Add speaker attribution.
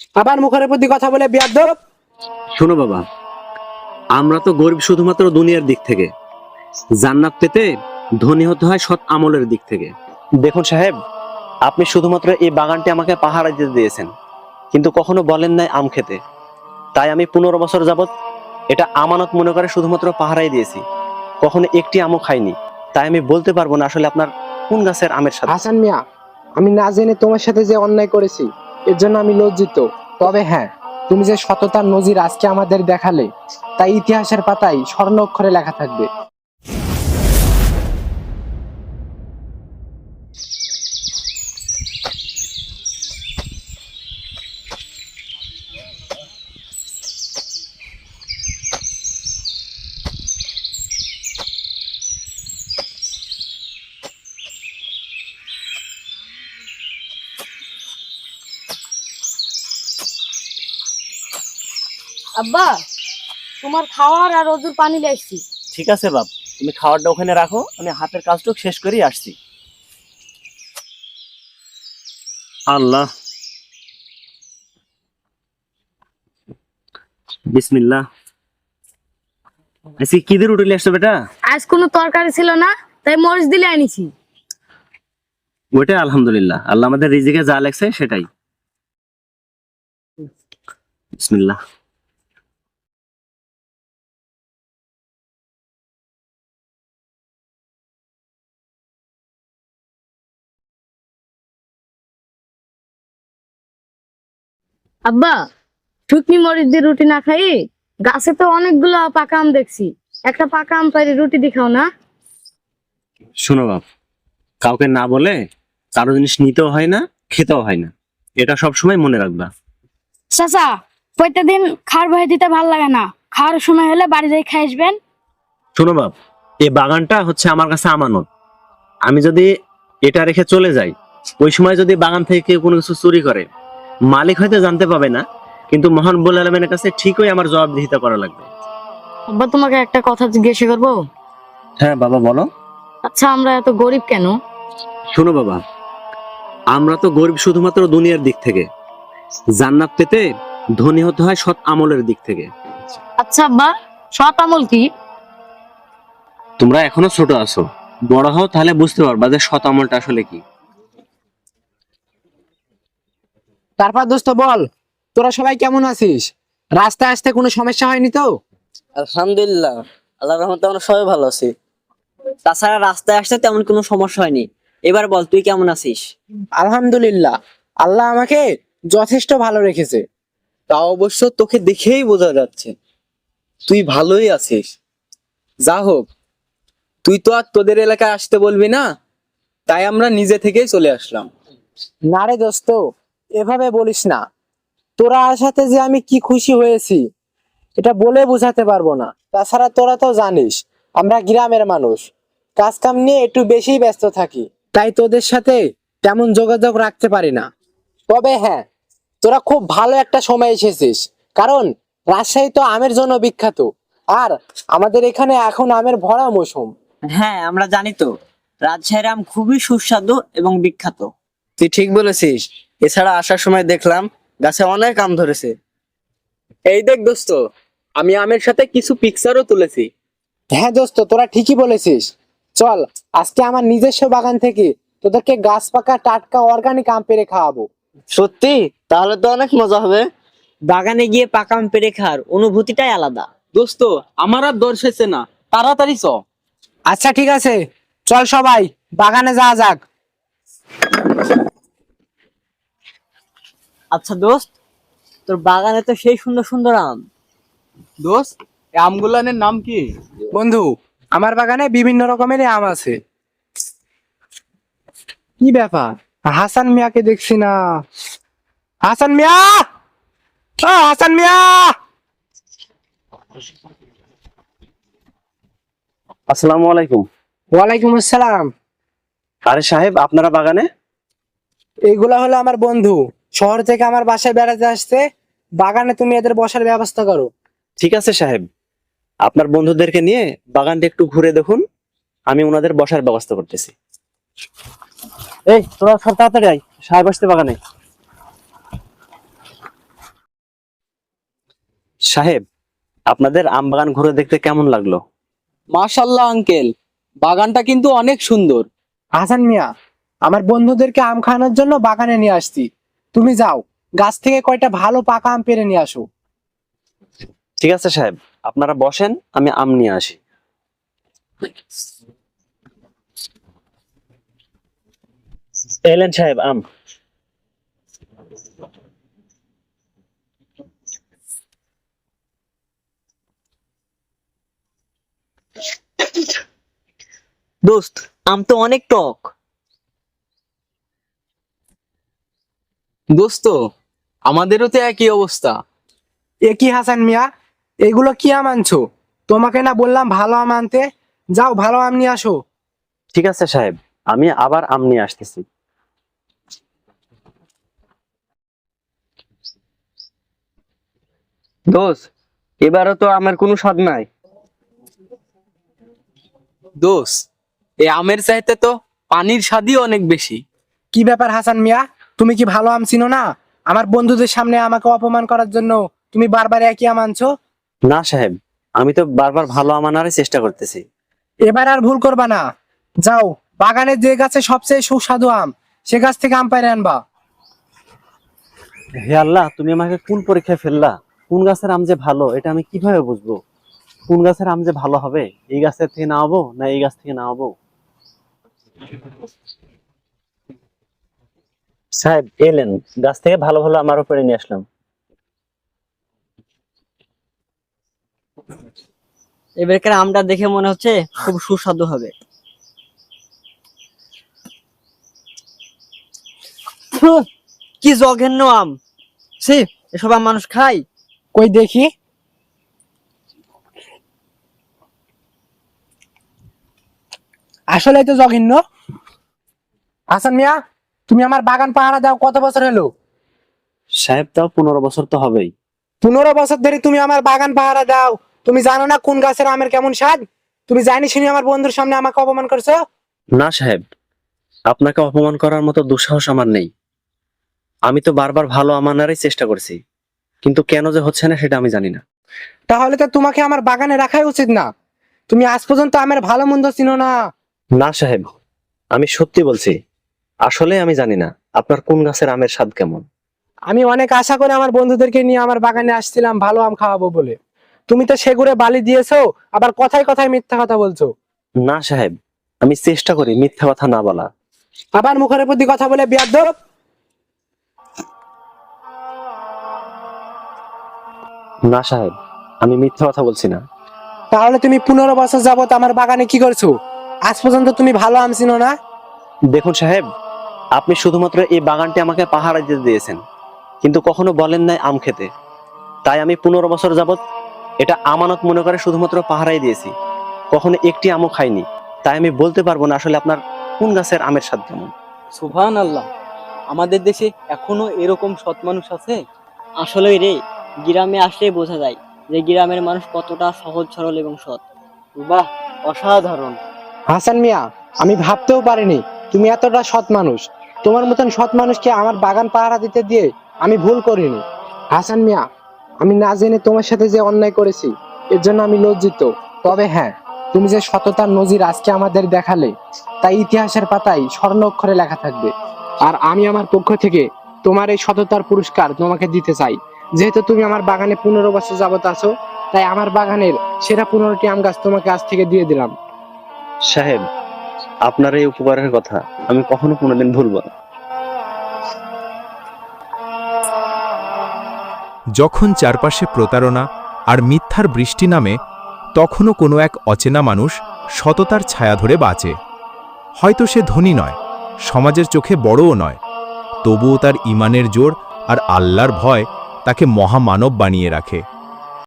Speaker 1: আবার মুখের প্রতি কথা বলে বিয়াদব।
Speaker 2: শোনো বাবা, আমরা তো গরিব শুধুমাত্র দুনিয়ার দিক থেকে, জান্নাত পেতে ধনী হতে হয় সৎ আমলের দিক থেকে। দেখুন সাহেব, আপনি শুধুমাত্র এই বাগানটি আমাকে পাহারা দিতে দিয়েছেন, কিন্তু কখনো বলেন নাই আম খেতে। তাই আমি 15 বছর যাবত এটা আমানত মনে করে শুধুমাত্র পাহারাই দিয়েছি, কখনো একটি আমও খাইনি। তাই আমি বলতে পারবো না আসলে আপনার কোন গাছের আমের সাথে।
Speaker 1: হাসান মিয়া, আমি না জেনে তোমার সাথে যে অন্যায় করেছি এর জন্য আমি লজ্জিত। তবে হ্যাঁ, তুমি যে সততার নজির আজকে আমাদের দেখালে, তাই ইতিহাসের পাতায় স্বর্ণ অক্ষরে লেখা থাকবে।
Speaker 3: আব্বা, তোমার খাওয়ার আর ওজুর পানি লেগছি।
Speaker 2: ঠিক আছে বাপ, তুমি খাবারটা ওখানে রাখো, আমি হাতের কাজটুকু শেষ করেই আসছি। আল্লাহ, বিসমিল্লাহ। আজকে কি দিয়ে রুটি নিয়ে আসছো বেটা?
Speaker 3: আজ কোনো তরকারি ছিল না, তাই মরিচ দিলে আনিছি।
Speaker 2: ওইটাই আলহামদুলিল্লাহ, আল্লাহ আমাদের রিজিকে যা লেখছে সেটাই। বিসমিল্লাহ।
Speaker 3: আব্বা, শুকনি মরিচ দিয়ে রুটি না খাই, গাছে তো অনেকগুলো পাকা আম দেখছি, একটা পাকা আম পাইরে রুটি দেখাও না।
Speaker 2: শোনো বাপ, কাউকে না বলে কারো জিনিস নিতেও হয় না, খেতেও হয় না, এটা সবসময় মনে রাখবা।
Speaker 3: চাচা, প্রত্যেক দিন খাওয়ার ভয় দিতে ভাল লাগে না, খাওয়ার সময় হলে বাড়ি যাই খাই আসবেন।
Speaker 2: শোনো বাপ, এই বাগানটা হচ্ছে আমার কাছে আমানত। আমি যদি এটা রেখে চলে যাই, ওই সময় যদি বাগান থেকে কেউ কোনো কিছু চুরি করে, মালিক হয়তো জানতে পাবে না, কিন্তু মহান রব্বুল আলামিনের কাছে ঠিকই আমার জবাবদিহিতা করা লাগবে।
Speaker 3: আব্বা, তোমাকে একটা কথা জিজ্ঞাসা করবো?
Speaker 2: হ্যাঁ বাবা, বলো।
Speaker 3: আচ্ছা, আমরা এত গরিব কেন?
Speaker 2: শোনো বাবা, আমরা তো গরিব শুধুমাত্র দুনিয়ার দিক থেকে, জান্নাত পেতে ধনী হতে হয় সৎ আমলের দিক থেকে।
Speaker 3: আচ্ছা আব্বা, সৎ আমল কি?
Speaker 2: তোমরা এখনো ছোট আছো, বড় হও তাহলে বুঝতে পারবা যে সৎ আমলটা আসলে কি।
Speaker 1: তারপর দোস্ত বল, তোরা সবাই কেমন আছিস? রাস্তায় আসতে কোনো সমস্যা হয়নি তো?
Speaker 4: আলহামদুলিল্লাহ, আল্লাহর রহমতে আমরা সবাই ভালো আছি। তাছাড়া রাস্তায় আসতে তেমন কোনো সমস্যা হয়নি। এবার বল, তুই কেমন আছিস?
Speaker 1: আলহামদুলিল্লাহ, আল্লাহ আমাকে যথেষ্ট ভালো রেখেছে।
Speaker 4: তা অবশ্য তোকে দেখেই বোঝা যাচ্ছে তুই ভালোই আছিস। যা হোক, তুই তো আর তোদের এলাকায় আসতে বলবি না, তাই আমরা নিজে থেকেই চলে আসলাম।
Speaker 1: না রে দোস্ত, এভাবে বলিস না। তোরা আসাতে যে আমি কি খুশি হয়েছি এটা বলে বোঝাতে পারবো না। তাছাড়া তোরা তো জানিস আমরা গ্রামের মানুষ, কাজ কাম নিয়ে একটু বেশি ব্যস্ত থাকি, তাই তোদের সাথে তেমন যোগাযোগ রাখতে পারি না। তবে হ্যাঁ, তোরা খুব ভালো একটা সময় এসেছিস, কারণ রাজশাহী তো আমের জন্য বিখ্যাত, আর আমাদের এখানে এখন আমের ভরা মৌসুম।
Speaker 4: হ্যাঁ, আমরা জানি তো, রাজশাহীর আম খুবই সুস্বাদু এবং বিখ্যাত। তুই ঠিক বলেছিস। এছাড়া আসার সময় দেখলাম গাছে অনেক আম ধরেছে। এই দেখ দোস্ত, আমি আমের সাথে কিছু পিকচারও তুলেছি।
Speaker 1: হ্যাঁ দোস্ত, তোরা ঠিকই বলেছিস। চল, আজকে আমার নিজস্ব বাগান থেকে তোদেরকে গাছ পাকা টাটকা অর্গানিক আম পেড়ে খাওয়াবো।
Speaker 4: সত্যি? তাহলে তো অনেক মজা হবে। বাগানে গিয়ে পাকা আম পেড়ে খাওয়ার অনুভূতিটাই আলাদা। দোস্ত, আমার আর দর্শেছে না, তাড়াতাড়ি চ।
Speaker 1: আচ্ছা ঠিক আছে, চল সবাই বাগানে যাওয়া যাক।
Speaker 4: আচ্ছা দোস্ত, তোর বাগানে তো সেই সুন্দর সুন্দর আম।
Speaker 5: দোস্ত, এই আমগুলানের নাম কি?
Speaker 1: বন্ধু, আমার বাগানে বিভিন্ন রকমের আম আছে। কি ব্যাপার, হাসান মিয়াকে দেখছি না? হাসান মিয়া, ও হাসান মিয়া!
Speaker 2: আসসালামু আলাইকুম।
Speaker 1: ওয়ালাইকুম আসসালাম।
Speaker 2: আরে সাহেব, আপনারা বাগানে?
Speaker 1: এইগুলা হলো আমার বন্ধু, শহর থেকে আমার বাসায় বেড়াতে আসছে। বাগানে তুমি এদের বসার ব্যবস্থা করো।
Speaker 2: ঠিক আছে সাহেব, আপনার বন্ধুদেরকে নিয়ে বাগানটা একটু ঘুরে দেখুন, আমি ওনাদের বসার ব্যবস্থা করতেছি। এই তোরা সব তাড়াতাড়ি আয়, সাহেব আসতে বাগানে। সাহেব, আপনাদের আম বাগান ঘুরে দেখতে কেমন লাগলো?
Speaker 5: মাশাল্লাহ আঙ্কেল, বাগানটা কিন্তু অনেক সুন্দর।
Speaker 1: হাসান মিয়া, আমার বন্ধুদেরকে আম খাওয়ানোর জন্য বাগানে নিয়ে আসছি। তুমি যাও, গাছ থেকে কয়টা ভালো পাকা আম পেড়ে নিয়ে আসো।
Speaker 2: ঠিক আছে সাহেব, আপনারা বসেন, আমি আম নিয়ে আসি। এলেন সাহেব আম।
Speaker 4: দোস্ত, আম তো অনেক টক।
Speaker 5: দোস্ত, আমাদেরও তো একই অবস্থা।
Speaker 1: এ কি হাসান মিয়া, এগুলো কি আম আনছো? তোমাকে না বললাম ভালো আম আনতে? যাও ভালো আম নিয়ে আসো।
Speaker 2: ঠিক আছে সাহেব, আমি আবার আম নিয়ে আসতেছি।
Speaker 4: দোস্ত, এবারও তো আমের কোনো স্বাদ নাই।
Speaker 5: দোস্ত, এই আমের চাইতে তো পানির স্বাদই অনেক বেশি।
Speaker 1: কি ব্যাপার হাসান মিয়া, তুমি কি ভালো আম চিনো না? আমার বন্ধুদের সামনে আমাকে অপমান করার জন্য তুমি বারবার একই আম আনছো।
Speaker 2: না সাহেব, আমি তো বারবার ভালো আম আনারই চেষ্টা করতেছি।
Speaker 1: এবার আর ভুল করবা না। যাও, বাগানের যে গাছে সবচেয়ে সুস্বাদু আম, সে গাছ থেকে আম পাইরে আনবা।
Speaker 2: হে আল্লাহ, তুমি আমাকে কোন পরীক্ষায় ফেললা? কোন গাছের আম যে ভালো এটা আমি কিভাবে বুঝবো? কোন গাছের আম যে ভালো হবে, এই গাছের থেকে নামাবো না এই গাছ থেকে নামাবো? সাহেব এলেন, গাছ থেকে ভালো ভালো আমার উপরে নিয়ে আসলাম।
Speaker 4: এবারকার আমটা দেখে মনে হচ্ছে খুব সুস্বাদু হবে। ফুহ, কি জঘন্য আম! ছি, এসব আম মানুষ খায়?
Speaker 1: কই দেখি। আসলে তো জঘন্য। হাসান মিয়া, তুমি আমার বাগান পাহারা দাও কত বছর হলো?
Speaker 2: সাহেব তাও 15 বছর তো হবেই।
Speaker 1: 15 বছর ধরে তুমি আমার বাগান পাহারা দাও, তুমি জানো না কোন গাছের আমের কেমন স্বাদ? তুমি জানি শুনি আমার বন্ধুর সামনে আমাকে অপমান করছো।
Speaker 2: না সাহেব, আপনাকে অপমান করার মতো দুঃসাহস আমার নেই। আমি তো বারবার ভালো আম আনারই চেষ্টা করছি, কিন্তু কেন যে হচ্ছে না সেটা আমি জানি না।
Speaker 1: তাহলে তো তোমাকে আমার বাগানে রাখাই উচিত না। তুমি আজ পর্যন্ত আমার ভালো মন্দ চিনো না।
Speaker 2: না সাহেব, আমি সত্যি বলছি, আসলে আমি জানি না আপনার কোন গাছের আমের স্বাদ কেমন।
Speaker 1: আমি অনেক আশা করে আমার বন্ধুদেরকে নিয়ে আমার বাগানে আসছিলাম ভালো আম খাওয়াবো বলে। তুমি তো সেগুড়ে বালি দিয়েছো, আবার কথায় কথায় মিথ্যা কথা বলছো।
Speaker 2: না সাহেব, আমি চেষ্টা করি মিথ্যা কথা না বলা।
Speaker 1: আবার মুখের প্রতি কথা বলে বিয়াদব।
Speaker 2: না সাহেব, আমি মিথ্যা কথা বলছি না।
Speaker 1: তাহলে তুমি 15 বছর যাবত আমার বাগানে কি করছো? আজ পর্যন্ত তুমি ভালো আম চিনো না।
Speaker 2: দেখুন সাহেব, আপনি শুধুমাত্র এই বাগানটি আমাকে পাহারা দিতে দিয়েছেন, কিন্তু কখনো বলেন নাই আম খেতে। তাই আমি 15 বছর যাবত এটা আমানত মনে করে শুধুমাত্র পাহারাই দিয়েছি, কখনো একটি আমও খাইনি। তাই আমি বলতে পারবো না আসলে আপনার কোন গাছের আমের স্বাদ কেমন।
Speaker 5: সুবহানাল্লাহ, আমাদের দেশে এখনো এরকম সৎ মানুষ আছে।
Speaker 4: আসলে রে, গ্রামে আসলে বোঝা যায় যে গ্রামের মানুষ কতটা সহজ সরল এবং সৎ। বাহ, অসাধারণ!
Speaker 1: হাসান মিয়া, আমি ভাবতেও পারিনি তুমি এতটা সৎ মানুষ। তোমার মতন সৎ মানুষকে আমার বাগান পাহারা দিতে দিয়ে আমি ভুল করিনি। হাসান মিয়া, আমি না জেনে তোমার সাথে যে অন্যায় করেছি এর জন্য আমি লজ্জিত। তবে হ্যাঁ, তুমি যে সততার নজির আজকে আমাদের দেখালে, তাই ইতিহাসের পাতায় স্বর্ণ অক্ষরে লেখা থাকবে। আর আমি আমার পক্ষ থেকে তোমার এই সততার পুরস্কার তোমাকে দিতে চাই। যেহেতু তুমি আমার বাগানে 15 বছর যাবত আছো, তাই আমার বাগানের সেরা 15টি আম গাছ তোমাকে আজ থেকে দিয়ে দিলাম।
Speaker 2: সাহেব, আপনার এই উপকারের কথা আমি কখনো কোনোদিন ভুলবো না।
Speaker 6: যখন চারপাশে প্রতারণা আর মিথ্যার বৃষ্টি নামে, তখনও কোনো এক অচেনা মানুষ সততার ছায়া ধরে বাঁচে। হয়তো সে ধনী নয়, সমাজের চোখে বড়ও নয়, তবুও তার ঈমানের জোর আর আল্লাহর ভয় তাকে মহামানব বানিয়ে রাখে।